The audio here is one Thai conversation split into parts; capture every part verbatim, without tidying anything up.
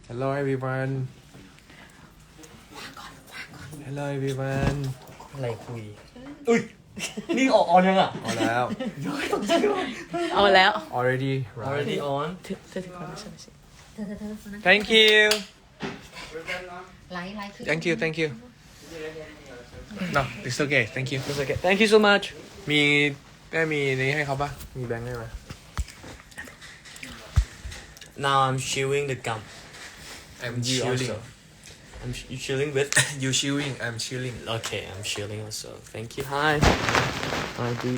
Hello everyone Hello everyone อะไรคุยอุ้ยนี่ออกออนยังอ่ะเอาแล้วเอาแล้ว already already right on เธอเธอถือก่อนไม่ใช่ไม่ใช่เธอเธอเธอคนนั้น Thank you ไลฟ์ไลฟ์ Thank you Thank you No it's okay Thank you it's okay thank you so much มีแม่มีนี้ให้เขาปะมีแบงค์ให้ไหม now I'm chewing the gum I'm you chilling also I'm ch- you chilling with You chilling I'm chilling okay I'm chilling also thank you hi hi dude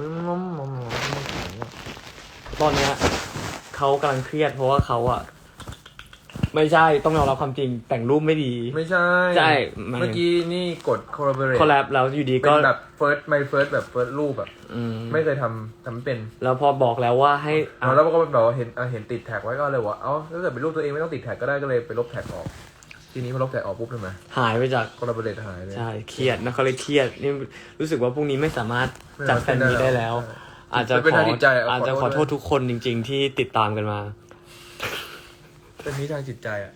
ตอนเนี้ยเขากำลังเครียดเพราะว่าเขาอะไม่ใช่ต้องยอมรับความจริงแต่งรูปไม่ดีไม่ใช่ใช่เมื่อกี้นี่กด collaborate คอลแลบแล้วอยู่ดีเป็ก็นแบบ first my first แบบ first รูปแบบอืมไม่เคยทำทำไม่เป็นแล้วพอบอกแล้วว่าให้อ๋อแล้วก็แบบว่าเห็นอ่ะเห็นติดแท็กไว้ก็เลยว่าเอ้าถ้าเกิดเป็นรูปตัวเองไม่ต้องติดแท็กก็ได้ก็เลยไปลบแท็กออกทีนี้พอลบแท็กออกปุ๊บทำไมหายไปจาก collaborate หายเลยใช่เครียดนะเขาเลยเครียดนี่รู้สึกว่าพรุ่งนี้ไม่สามารถจัดแฟนมีได้แล้วใช่อาจจะเป็นขอทางจิตใจอ่ะอาจจะขขออโทโทษษทุกคนจริง ๆ ที่ติดตามกันมาเป็นนี้ทางจิตใจอ่ะ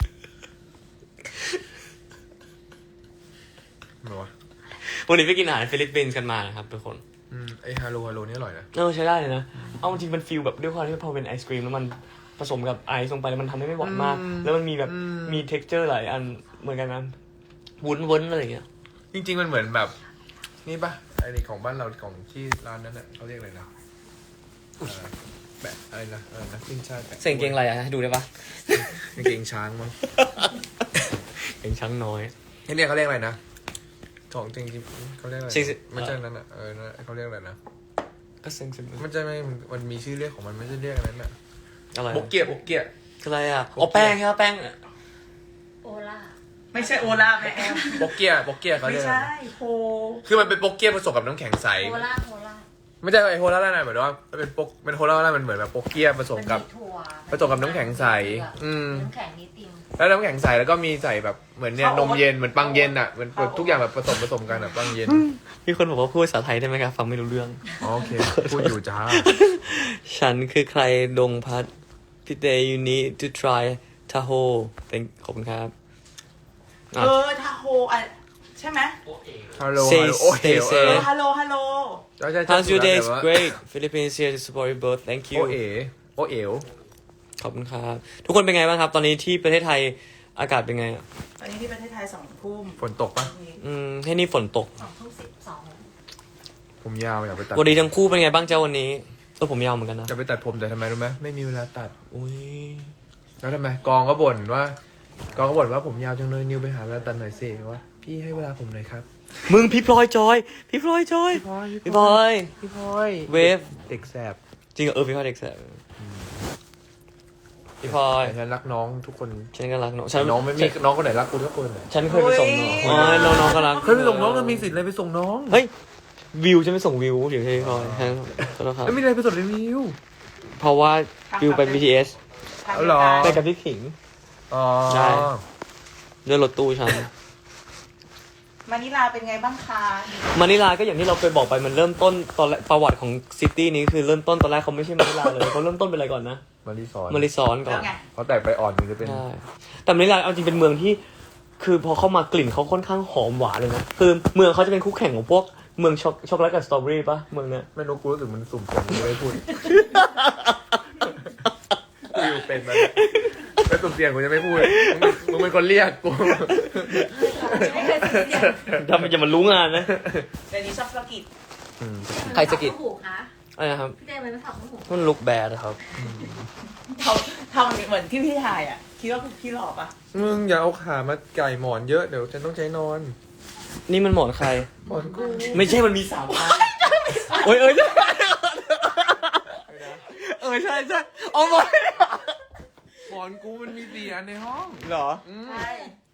เหรอวะวันนี้ไปกินอาหารฟิลิปปินส์กันมานะครับทุกคนอืมไอฮาโลฮาโลนี่อร่อยนะเออใช้ได้เลยนะเอาจริงๆมันฟีลแบบด้วยความที่พอเป็นไอศกรีมแล้วมันผสมกับไอซ์ลงไปแล้วมันทำให้ไม่หวานมาก แล้วมันมีแบบมีเท็กเจอร์หลายอันเหมือนกันนะวุ้นวุ้นอะไรอย่างเงี้ยจริงๆมันเหมือนแบบนี่ปะไอนี่ของบ้านเราของที่ร้านนั้นน่ะเขาเรียกอะไรนะเอ่อแบบอะไรนะอะไรนะขึ้นช่ายแปะเสียงเกงอะไรอะให้ดูได้ปะกางเกงช้างมั้งเกงช้างน้อยนี่เรียกเขาเรียกอะไรนะของจริงๆเขาเรียกอะไรจริงๆไม่ใช่นั้นอ่ะเออนั่นเขาเรียกอะไรนะก็เซ็งเซ็งมันจะไม่มันมีชื่อเรียกของมันไม่ใช่เรียกอะไรน่ะอะไรบกเกียบกเกียคืออะไรอ่ะอ๋อแป้งใช่ไหมแป้งโอล่าไม่ใช่โอลาแม่แอมบกเกียบกเกียเขาไม่เรียกอะไรใช่นะโฮคือมันเป็นบกเกียผสมกับน้ำแข็งใสโอล่าโอล่าไม่ใช่ไอโฮล่าน่ะเหมือนว่ามันเป็นปกเป็นโฮล่าน่ะมันเหมือนแบบบกเกียผสมกับนถั่วผสมกับน้ำแข็งใสอืมน้ำแข็งนิดติมแล้วน้ำแข็งใสแล้วก็มีใส่แบบเหมือนเนี่ยนมเย็นเหมือนปังเย็นอ่ะเหมือนแบบทุกอย่างแบบผสมผสมกันอ่ะปังเย็นมีคนบอกว่าพูดภาษาไทยได้ไหมครับฟังไม่รู้เรื่องอ๋อโอเคพูดอยู่จ้าฉันคือใครดงพัดพี่เต you need to try Tahoe เป็นขอบคุณครับเออทาโฮอ่ะใช่ไหมฮัลโหล Say โอ้เฮ stay ล safe เอเอออฮัลโหลฮัลโหลใช่ใช่ใช่ How's your day? แต่ It's ว่า great. Philippines here to support you both. Thank โอ you. เอโอเอลขอบคุณครับ ทุกคนเป็นไงบ้างครับ ตอนนี้ที่ประเทศไทยอากาศเป็นไงอ่ะตอนนี้ที่ประเทศไทยสองทุ่มฝนตกปะอืมให้นี่ฝนตกสองทุ่มสิบสองผมยาวอยากไปตัดวันนี้ทั้งคู่เป็นไงบ้างเจ้าวันนี้ตัวผมยาวเหมือนกันนะอยากไปตัดผมแต่ทำไมรู้ไหมไม่มีเวลาตัดอุ้ยแล้วทำไมกองก็บ่นว่ากองก็บ่นว่าผมยาวจังเลยนิวไปหาเวลาตัดหน่อยสิว่าพี่ให้เวลาผมหน่อยครับมึงพี่พลอยจอย พี่พลอยจอย พี่พลอยพี่พลอยเวฟเด็กแสบจริงเหรอเออพี่พลอยเด็กแสบพี่พลอยแต่ฉันรักน้องทุกคนฉันก็รักน้องฉันน้องไม่มีน้องคนไหนรักกูทุกคนเลยฉันเคยไปส่งน้องอ๋อน้องน้องก็รักเคยไปส่งน้องก็มีสิทธิ์อะไรไปส่งน้องเฮ้ยวิวฉันไม่ส่งวิวเดี๋ยวใช่พี่พลอยฮะขอโทษครับแล้วมีอะไรไปส่งรีวิวเพราะว่าวิวไป บี ที เอสทางเอาเหรอไปกับพี่ขิงอ๋อได้ ด้วยรถตู้ฉันมานิลาเป็นไงบ้างคะมานิลาก็อย่างที่เราเคยบอกไปมันเริ่มต้นตอนแรกประวัติของซิตี้นี้คือเริ่มต้นตอนแรกเขาไม่ใช่มานิลาเลยเขาเริ่มต้นเป็นอะไรก่อนนะมารีสอร์ทมาริซอนก่อแล้วนไงเขาแตกไปอ่อนมันจะเป็นใช่แต่มานิลาเอาจริงเป็นเมืองที่ คือพอเข้ามากลิ่นเขาค่อนข้างหอมหวานเลยนะคือเมืองเขาจะเป็นคู่แข่งของพวกเมืองช็อกช็อกโกแลตกับสตรอเบอรี่ปะเมืองเนี้ยไม่รู้กูรู้สึกมันสุ่มเสี่ยงกูไม่พูดกูอยู่เป็นมันไม่สุ่มเสี่ยงกูจะไม่พูดมึงมึงเป็นคนเรียกกูไม่เคยสิเสียงถ้ามันจะมารู้งานนะเดี๋ยวนี้ชอบสะกิดใครสะกิดหูคะอะไรนะครับพี่เต้ยมันไม่ถับหูมันลุกแบดครับทำทำเหมือนที่พี่ถ่ายอ่ะคิดว่าพี่หลอกปะมึงอย่าเอาขามาไก่หมอนเยอะเดี๋ยวฉันต้องใช้นอนนี่มันหมอนใครหมอนกูไม่ใช่มันมีสามอันโอ้ยเอ้ยเออใช่ใช่เอาหมอนหมอนกูมันมีสี่อันในห้องเหรออืมใช่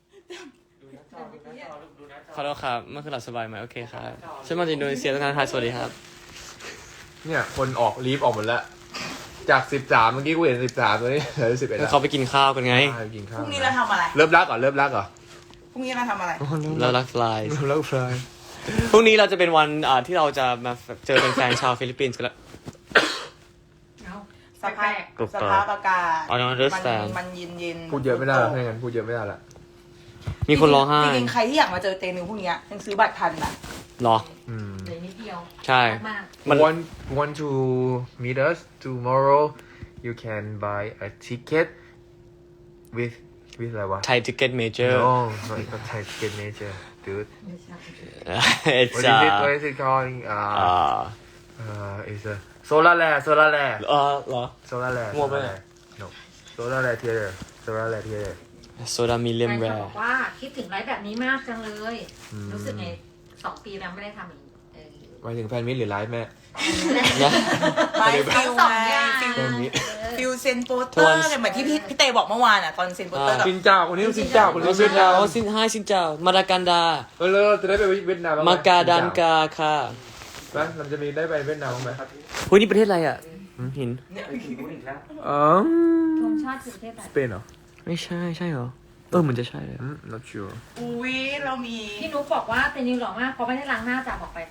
ขอโทษครับเมื่อคืนหลับสบายไหมโอเคครับฉันมาจากอินโดนีเซียตั้งนานครับสวัสดีครับเนี่ยคนออกลีฟออกหมดแล้วจากสิบสามเมื่อกี้กูเห็นสิบสามตัวนี้เหลือสิบเอ็ดแล้วเขาไปกินข้าวกันไงไปกินพข้าวรุ่งนี้เราทำอะไรเริ่มรักก่อนเริ่มรักก่อนพรุ่งนี้เราทำอะไรแล้วรักฟลายเริ่มรักฟรายพรุ่งนี้เราจะเป็นวันอ่าที่เราจะมาเจอเป็นแฟนชาวฟิลิปปินส์กันแล้วสสภาพถูกสต้องภาพอากาศ I don't มัน understand มันเย็นเย็นพูดเยอะไม่ได้หรอกไม่งั้นพูดเยอะไม่ได้ละมีคนร้องไห้จริงๆใครที่อยากมาเจอเตนิวพวกเนี้ยยังซื้อบัตรทันนะหรออืมเลยนิดเดียวใช่มากมัน want want to meet us tomorrow you can buy a ticket with with อะไรวะไทยทิกเก็ตเมเจอร์ no not not Thai ticket major dude ไม่ใช่ it's what is it uh what is it calling uh อ่า uh is a solar land solar land เออเหรอ solar land มั่วปะ solar land no solar land theater solar land theater โซดามิเลียมแฟนแรคลับร์บอกว่าคิดถึงไลฟ์แบบนี้มากจังเลยอืมรู้สึกไงสองปีแล้วไม่ได้ทำอีกเออหมายถึงแฟนมิตรหรือไลฟ์แม่ไม่ฟิลสองไงอย่างฟิลแฟนมิตรฟิลเซนโปสเตอร์เนี่ยเหมือนที่พี่พี่เตบอกเมื่อวานอ่ะตอนเซนโปสเตอร์กับซินเจ้าคนนี้ซินเจ้าคนนี้ซิเวีนยดนาเจ้าม ซินไฮซินเจ้ามาดากันดาเออเราจะได้ไปเวียดนามบ้งไหมากาดันกาค่ะไหมเราจะมีได้ไปเวียดนามบ้างไหมเฮ้ยนี่ประเทศอะไรอ่ะหืมหินอ๋อธงชาติคือประเทศอะไรสเปนเหรอไม่ใช่ใช่เหรอ เออเหมือนจะใช่เลยอืม not sure อุ้ยเรามีพี่นุ๊กบอกว่าเตนิวหล่อมากเพราะไม่ได้ล้างหน้าจากบอกไป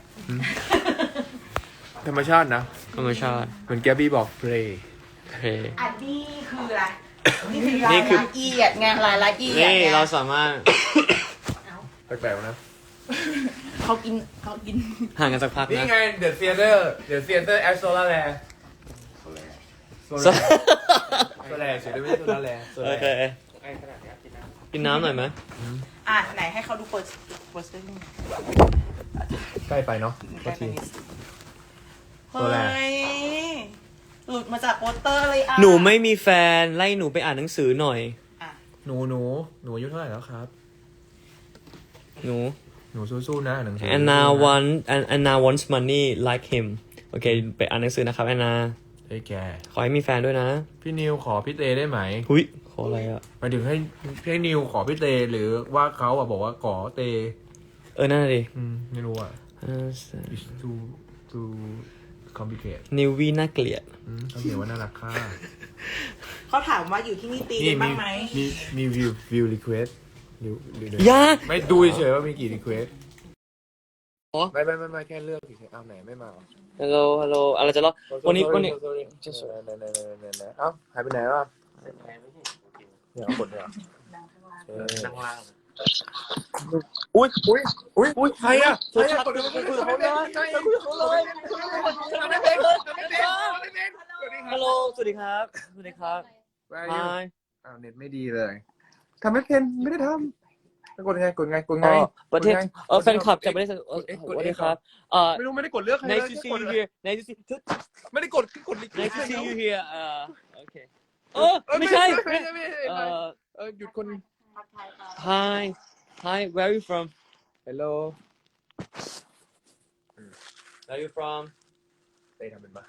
ธรรมชาตินะธรรมชาติเหมือนแกบี้บอก play โอเคอันนี้คืออะไรนี่คือรายนี่คือละเอียดไงรายละเอียดนี่ไงเราสามารถแปลกๆนะเขากินเขากินห่างกันสักพักนี่นะไง the theater the theater at solar land solar โซ solar solar เฉยๆไม่ใช่ solar land โอเคกินน้ำหน่อยไหมอ่ะไหนให้เขาดูโปสโปสเตอร์ใกล้ไปเนาะใกล้ไปทีนิดโซแลเฮ้ยหลุดมาจากโปสเตอร์เลยอ่ะหนูไม่มีแฟนไล่หนูไปอ่านหนังสือหน่อยอ่ะหนูหนูหนูอายุเท่าไหร่แล้วครับหนูหนูสู้ๆนะอ่านหนังสือ Anna สู้ๆนะ want Anna wants money like him โอเค ไปอ่านหนังสือนะครับ Anna เฮ้ยแกขอให้มีแฟนด้วยนะพี่นิวขอพี่เตได้ไหมหุยขออะไรอ่ะหมายถึงให้ให้นิวขอพี่เตหรือว่าเขาอะบอกว่าขอเตเออ นั่นน่ะดิอืมไม่รู้อ่ะ it's too too complicated นิววีน่าเกลียดอืมเขาเขียนว่าน่ารักค่ะเขาถามว่าอยู่ที่นี่ตีนี่กันมีบ้างไหมมีมีวิววิวรีเควสดูดูดูยากไม่ดูเฉยๆว่ามีกี่รีเควสอ๋อไม่ไม่ไม่ไม่แค่เลือกเฉยๆเอาไหนไม่มาฮัลโหล ฮัลโหล อะไรจะรอวันนี้ วันนี้จะสวยไหนไหนไหนไหนไหนเอ้าหายไปไหนวะเนี่ยเอากดเนี่ยนั่งล่างอุ้ยอุ้ยอุ้ยอุ้ยใครอะใครอะกดเลยคุยกับเขาเลยคุยกับเขาเลยไม่เป็นไม่เป็นไม่เป็นสวัสดีครัฮับลโหล สวัสดีครับ สวัสดีครับ Hi Hi อ้าวเน็ตไม่ดีเลยทำไม่เป็นไม่ได้ทำกดไงกดไงกดไงเออประเทศกดไงเออแฟนคลับจากประเทศเออเอ็กซ์สวัสดีครับเอ่อไม่รู้ไม่ได้กดเลือกใครเลย nice to see you here nice to see ไม่ได้กดกดลิ nice to see you here เอ่อโอเคเออไม่ใช่ไม่ใช่ไม่ใช่เอ่อเออหยุดคน hi hi where are you from Hello where are you from ได้ทำเป็นปะ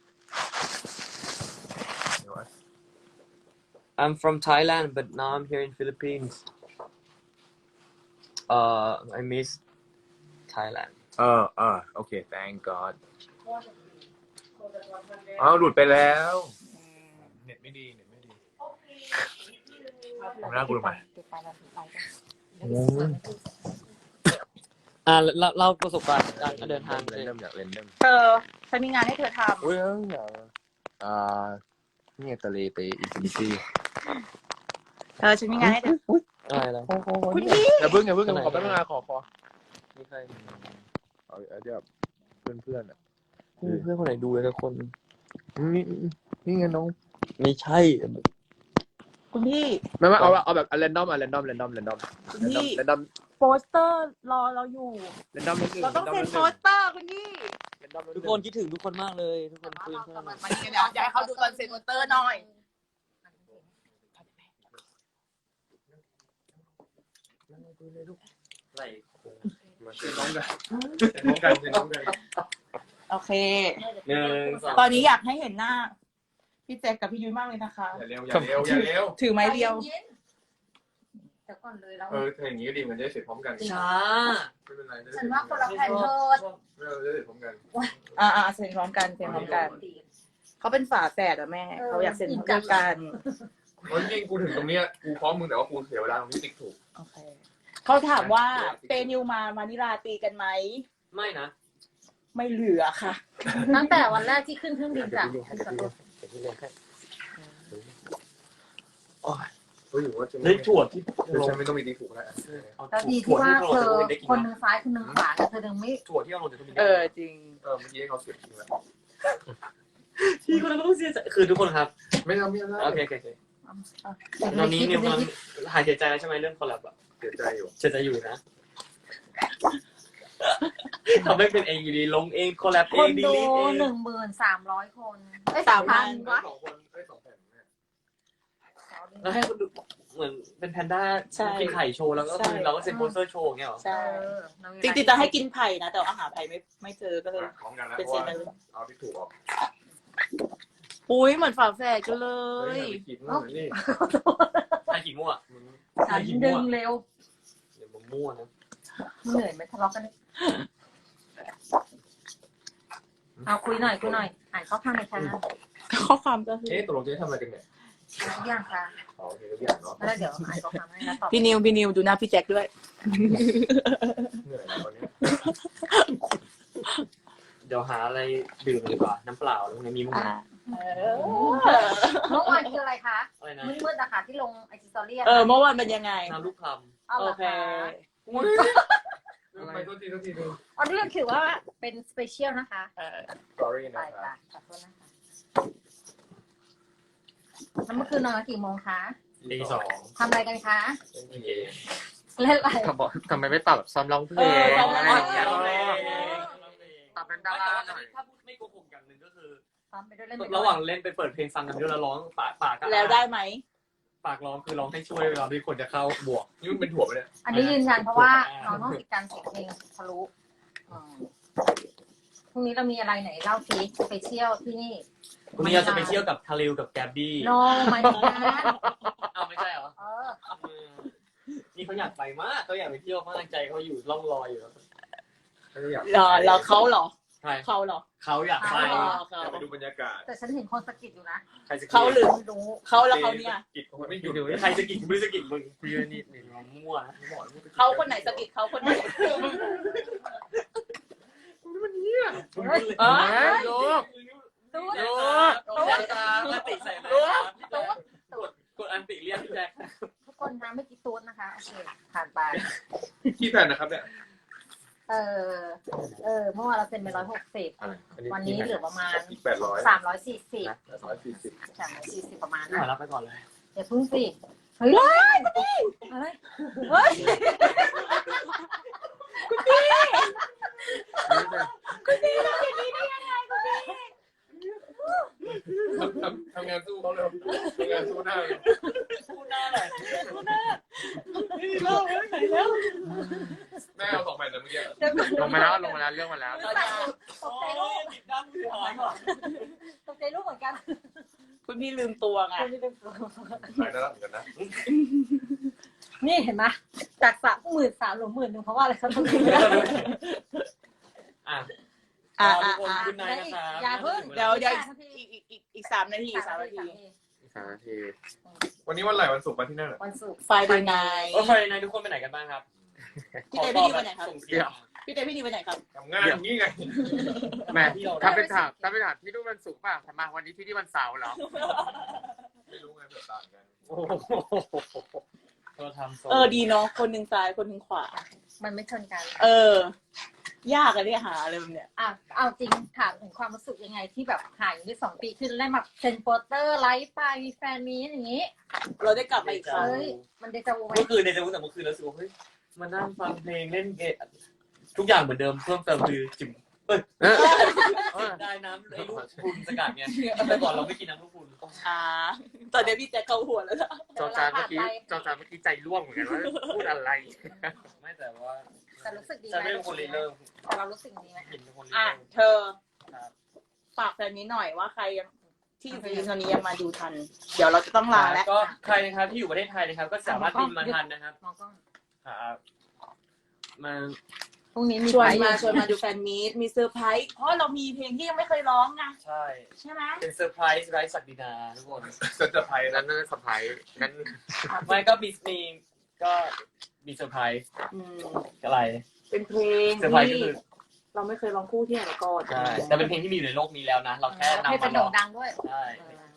เดี๋ยว I'm from Thailand but now I'm here in Philippines uh I miss Thailand เออเออโอเค thank God อ้าวหลุดไปแล้วเน็ตไม่ดีเน็ตไม่ดีผมน่ากูลงมาอ่าเล่าเล่าประสบการณ์การเดินทางเรนเดมอยากเรนเดมเธอฉันมีงานให้เธอทอุ้ยเอออยากอ่าเนี่ยทะเลไปอินฟินิตี้ำเธอฉันมีงานให้เธออะไรแล้วคุณพี่อย่าเพิ่งอย่าเพิ่งขอแป๊บนึงนะขอขอมีใครเอาเอาแบบเพื่อนเพื่อนอ่ะเพื่อนคนไหนดูเลยทุกคนนี่นี่ไงน้องไม่ใช่คุณพี่ไม่ไม่เอาเอาแบบเรนดอมอ่ะเรนดอมเรนดอมเรนดอมคุณพี่เรนดอมโปสเตอร์รอเราอยู่เรนดอมนิดนึงเราต้องเซ็นโปสเตอร์คุณพี่ทุกคนคิดถึงทุกคนมากเลยทุกคนคุยกันมาดีกันเดี๋ยวอยากให้เขาดูตอนเซ็นโปสเตอร์หน่อยไหลมาเซ็นน้องกันเซ็นน้องกันเซ็นน้องกันโอเคหนึ่งสองตอนนี้อยากให้เห็นหน้า พี่แจ็คกับพี่ยุ้ยมากเลยนะคะอย่าเร็วอย่าเร็วอย่าเร็วถือไม้เรียวเดี๋ยวก่อนเลยเราเออถ้าอย่างนี้ก็ดีมันจะได้เสร็จพร้อมกันช้าไม่เป็นไรฉันว่าคนละแผ่นเธอไม่เราจะเสร็จพร้อมกันอ่าอ่าเซ็นพร้อมกันเซ็นพร้อมกัน เขาเป็นฝาแฝดอะแม่ เขาอยากเซ็นพร้อมกันเพราะจริงกูถึงตรงเนี้ยกูพร้อมมึงแต่ว่ากูเสียเวลาตรงนี้ติ๊กถูกโอเค เขาถามว่าเตนิวมามานิลาตีกันไหมไม่นะไม่เหลือค่ะตั้งแต่วันแรกที่ขึ้นเครื่องบินจากที่เล่นแค่โอ้ยเฮ้ยหรือว่าจะได้ถั่วที่ฉันไม่ต้องมีดีถูกแล้วแล้วดีที่ว่าเธอคนหนึ่งซ้ายคนหนึ่งขวาเธอดึงไม่ถั่วที่เราลงจะต้องมีเออจริงเออเมื่อกี้เขาเสียบทิ้งแล้วที่คนนั้นก็ต้องเสียใจคือทุกคนครับไม่เอาไม่เอาโอเคโอเคโอเคตตอนนี้นิวกำลังหายเสียใจแล้วใช่ไหมเรื่องคอลแลบอะเสียใจอยู่เสียใจอยู่นะทำให้เป็นเองอยู่ดีลงเองคอลแลบคเองนดีดูลีทเองหนึ่งหมื่นสามร้อยคนเอ้ยสามพันวะสองคนเอ้ยสองแผ่นเนี่ยแล้วให้คนดูเหมือนเป็นแพนด้าใช่กินไข่โชว์แล้วก็ใช่คือเราก็เซ็นโปสเตอร์โชว์อย่างเงี้ยหรอใช่เออจริงๆจะให้กินไผ่นะแต่ว่าหาไผ่ไม่ไม่เจอก็เลยพร้อมกันแล้วเป็นเพเซราะนว่าเลยเอาที่ถูกออกอุ้ยเหมือนฝาแฝดกันเลเฮ้ยยอย่าไปคิดว่านี่ใครขี้มั่วฉันดึงเร็วเดี๋ยวมึงมั่วนะเหนื่อยไหมทะเลาะกันเอาคุยหน่อยคุยหน่อยอ่านข้อความในอยค่ะข้อความก็คือเอ๊ะตกลงจะทำอะไรกันเนี่ยทุกอย่างค่ะอ๋อโอเคทุกอย่างเนาะแล้วเดี๋ยวอ่านข้อความให้แล้วตอบพี่นิวพี่นิวดูหน้าพี่แจ็คด้วยเหนื่อยแล้ววันนี้เดี๋ยวหาอะไรดื่มดีกว่าน้ำเปล่าแล้วไงมีมั้งอ่าเมื่อวานคืออะไรคะอะไรนะมืดๆนะคะที่ลงไอจีสตอรี่เออเมื่อวานเป็นยังไงน้ำลูกคเอาโอเหรอเคคะไปโทษทีโทษทีดูอันนี้ถือว่าเป็นสเปเชียลนะคะเออสตอรี่ไปนะคไปรับขอโทษนะคะแล้วเมื่อคืนนอนกันกี่โมงคะำตีสองทำอะไรกันคะโอเคเล่นอะไรทำไมทำไมไม่ปรับแบบซ้อมร้องเพลเอง อซ้อมร้องเพลงปรับเป็นดาราหน่อยถ้าพูดไม่โกหกอย่างหนึ่งก็คือซ้อมไปด้วยเล่นไปด้วยระหว่างเล่นไปเปิดเพลงฟังกันด้วยแล้วร้องปากปากแล้วได้ไหมปากร้องคือร้องให้ช่วยเวลาที่คนจะเข้าบวกนี่มันเป็นถั่วไปเนี่ยอันนี้ยืนยันเพราะว่าน้องต้องติดการเสียงเพลงทะลุอืมพรุ่งนี้เรามีอะไรไหนเล่าซีสเปเชียลที่นี่วันนี้เราจะไปเที่ยวกับทาริวกับแกบบี้โนไม่ถึงนะเอาไม่ใช่เหรอเออนี่เขาอยากไปมากเขาอยากไปเที่ยวมากใจเขาอยู่ล่องลอยอยู่ไม่ได้อยากเหรอเหรอเขาเหรอใช่เขาเหรอเขาอยากไปอ๋อเขาอยากไปดูบรรยากาศแต่ฉันเห็นคนสะกิดอยู่นะใครจะเขาหรือไม่รู้เขาแล้วเขาเนี่ยกิจไม่หยุดเลยใครจะกินไม่จะกินมึงคุยนี่นี่มั่วนะเขาคนไหนสะกิดเขาคนไหนเฮ้ยอ๋อโยกดูโยกโยกตาติใส่ไหมกดกดอันติเรียกพี่แจ๊คทุกคนนะไม่กี่ตูนนะคะ โอเค ผ่านไปขี้แผ่นนะครับเนี่ยเออ เออ เมื่อวานเราเซ็นไปร้อยหกสิบ วันนี้เหลือประมาณอีกแปดร้อยสามร้อยสี่สิบร้อยสี่สิบสามร้อยสี่สิบประมาณไม่นะรับไปก่อนเลยเดี๋ยวพึ่งสิ เฮ้ยอะไรเฮ้ยทำทำงานสู้เขาเลยทำงานสู้หน้าเลยพูดหน้าหน่อยเล่าแล้วไหนแล้วแม่เอาสองแผ่นนะเมื่อกี้เดี๋ยวก่อนลงมาแล้วลงมาแล้วเรื่องมาแล้วตกใจลูกโอ้ยติดด้ามมือหายก่อนตกใจลูกเหมือนกันคุณพี่ลืมตัวไงหายได้แล้วเหมือนกันนะนี่เห็นไหมจากสามหมื่นสามหรือหมื่นหนึ่งเพราะว่าอะไรเขาต้องอ่ะอ่าทุอ่ากคนอ่าคุณนายนะครับอย่าเพิ่งเดี๋ยวเดี๋ยวอีกอีกอีกอีกสามนาทีสามนาทีสามนาทีวันนี้วันไหนวันศุกร์มาที่นั่นเหรอวันศุกร์ไฟเดย์ไนโอ้ใครนายทุกคนไปไหนกันบ้างครับพี่เต้พี่นิวไปไหนครับส่งเสียงพี่เต้พี่นิวไปไหนครับทำงานอย่างนี้ไงแม่ถ้าเป็นถามถ้าเป็นถามที่นู่นวันศุกร์ป่ะทำไมวันนี้ที่นี่วันเสาร์เหรอไม่รู้ไงเผื่อต่างกันโอ้โหเราทำโซเออดีเนาะคนหนึ่งซ้ายคนหนึ่งขวามันไม่ชนกันเออ ยากอะเนี่ยหาอะไรแบบเนี้ยอ่ะเอาจริงถามถึงความรู้สึกยังไงที่แบบห่างอยู่สองปีขึ้นแล้วแบบเซ็นโปสเตอร์ไลฟ์ไปมีแฟนมีอย่างนี้เราได้กลับมาอีกครั้งเฮ้ยมันเดจาวูไหมเมื่อคืนในจะรู้แต่เมื่อคืนเราสึกว่าเฮ้ยมานั่งฟังเพลงเล่นเกมทุกอย่างเหมือนเดิมเพิ่มเติมคือจิมเอ้ยได้น้ำไอ้ลูกคุณสกัดไงแต่ก่อนเราไม่กินน้ำลูกคุณอ่าตอนนี้พี่แจ็คเข้าหัวแล้วนะจอจานเมื่อกี้จอจานเมื่อกี้ใจร่วงเหมือนกันว่าพูดอะไรไม่แต่ว่าแต่รู้สึกดีไหจะมไม่เป็นคนรีเริ่มแต่เรารู้สึกดีไหมหินเป็นคนรีอ่ะเริ่มเธอฝากแฟนนี้หน่อยว่าใครยังที่อยู่ตอนนี้ยังมาดูทัน เดี๋ยวเราจะต้องลาแล้วก็ใครนะครับที่อยู่ประเทศไทยนะครับ ก็สามารถบินมาทันนะครับมองกล้องครับมาพรุ่งนี้มีชวนไฟมาชวนมาดูแฟนมีตมีเซอร์ไพรส์เพราะเรามีเพลงที่ยังไม่เคยร้องไงใช่ใช่ไหมเป็นเซอร์ไพรส์ไร้ศักดินาทุกคนจะจะไทยนั้นะนนั่นสะพายนั้นไม่ก็มีมีก็มีเซอร์ไพรส์อืมอะไรเป็นเพลงเซอร์ไพรส์ก็ที่คือเราไม่เคยร้องคู่ที่ไหนมาก่อนใช่แต่เป็นเพลงที่มีอยู่ในโลกนี้แล้วนะ เราแค่นำให้เป็มาน หลโด่อง กดังด้วยใช่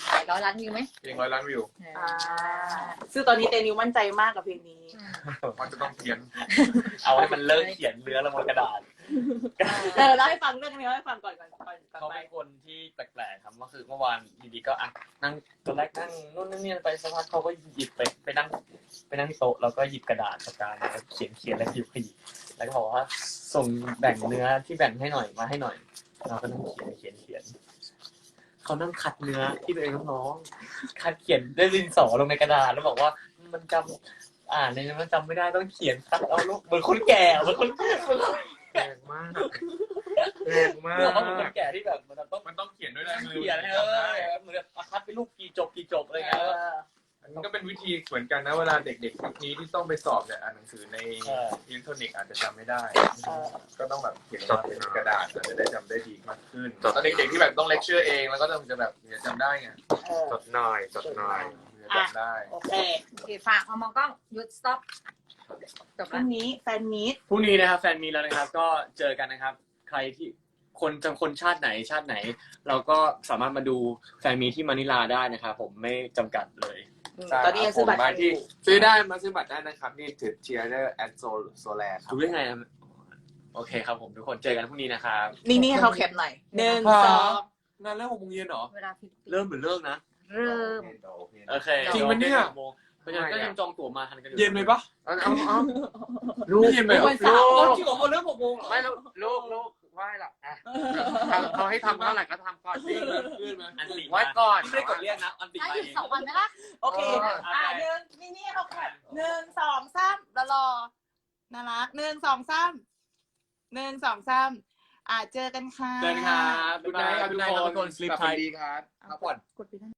หลายร้อยล้านวิวไหมเพลงร้อยล้านวิวอ่าซึ่งตอนนี้เตนิวมั่นใจมากกับเพลงนี้มันจะต้องเขียนเอาให้มันเลิกเขียนเนื้อลงบนกระดาษเออเล่าให้ฟังเรื่องนี้เล่าให้ฟังก่อนก่อนก่อนก่อนเขาไปเป็นคนที่แปลกๆครับก็คือเมื่อวานอยู่ดีก็อ่ะนั่งตอนแรกนั่งนู่นนั่นนี่ไปสักพักเขาก็หยิบไปไปนั่งไปนั่งที่โต๊ะแล้วก็หยิบกระดาษปากกามาเขียนเขียนแล้วขยิบขยิบแล้วก็บอกว่าส่งแบ่งเนื้อที่แบ่งให้หน่อยมาให้หน่อยเราก็นั่งเขียนเขียนเขียนเขานั่งขัดเนื้อที่ตัวเองน้องๆขัดเขียนด้วยดินสอลงในกระดาษแล้วบอกว่ามันจำอ่านในนั้นมันจำไม่ได้ต้องเขียนคัดเอาลูกเหมือนคนแก่เหมือนคนเหมือนคนแรงมากแรงมาเมื่อเขาเป็นกคนแก่ที่แบบมันต้องมันต้องเขียนด้วยลายมือเขียนให้เออเหมือนแบบคัดเป็นลูกกี่จบกี่จบอะไรเงี้ยอันนี้ก็เป็นวิธีเหมือนกันนะเวลาเด็กๆยุคนี้ที่ต้องไปสอบเนี่ยอ่านหนังสือในเอออิเล็กทรอนิกส์อาจจะจำไม่ได้เออก็ต้องแบบเขียนมาเป็นกระดาษอาจจะได้จำได้ดีมากขึ้นตอนเด็กๆที่แบบต้องเลคเชอร์เองแล้วก็ต้องจะแบบจะจำได้ไงเออจดหน่อยจดหน่อยจะจำได้โอเคโอเคฝากเอามองกล้องหยุด stop จบพแล้รุ่วงนี้แฟนมีตพรุ่งนี้นะครับแฟนมีแล้วนะครับก็เจอกันนะครับ ใครที่คนจะคนชาติไหนชาติไหน เราก็สามารถมาดูแฟนมีที่มะนิลาได้นะครับผมไม่จำกัดเลยตอนนี้ยังซื้อบัตรมากันอที่ยู่ซื้อได้มาซื้อบัตรได้นะครับนี่ถือเชียร์ได้แอดโซโซแลครับดูได้ไงครับโอเคครับผมทุกคนเจอกันพรุ่งนี้นะครับนี่นี่เขาแคปหน่อยหนึ่งสองงานเริ่มหกโมงเย็นเหรอเวลาฟิลิปปินส์เริ่มหรือเลิกนะเริ่มโอเคจริงปะเนี่ยเพราะฉะนั้นก็ยังจองตั๋วมาทันกันอยู่เย็นไหมปะเอาเอาเอาลูกไม่เย็นไปเหรอวันเสาร์เอาจริงเหรอคนเริ่มหกโมงเหรอไม่ลูกลูกลูกไหว้ละอ่ะเขาให้ทำเท่าไหร่ก็ทำก่อนสิขึ้นไหมอันติไหว้ก่อนไม่ได้กดเรียกนะอันติถ้ามาหยุดเองสองวันไหมล่ะโอเคอ่าหนึ่งนี่นี่เขาแคปหนึ่งสองสามแล้วรอน่ารักหนึ่งสองสามหนึ่งสองสามอ่าเจอกันค่ะเจอกันครับดูนายครับดูนายทุกคนสลิปกลับไทไปยดีครับพักผ่อนกดไปได้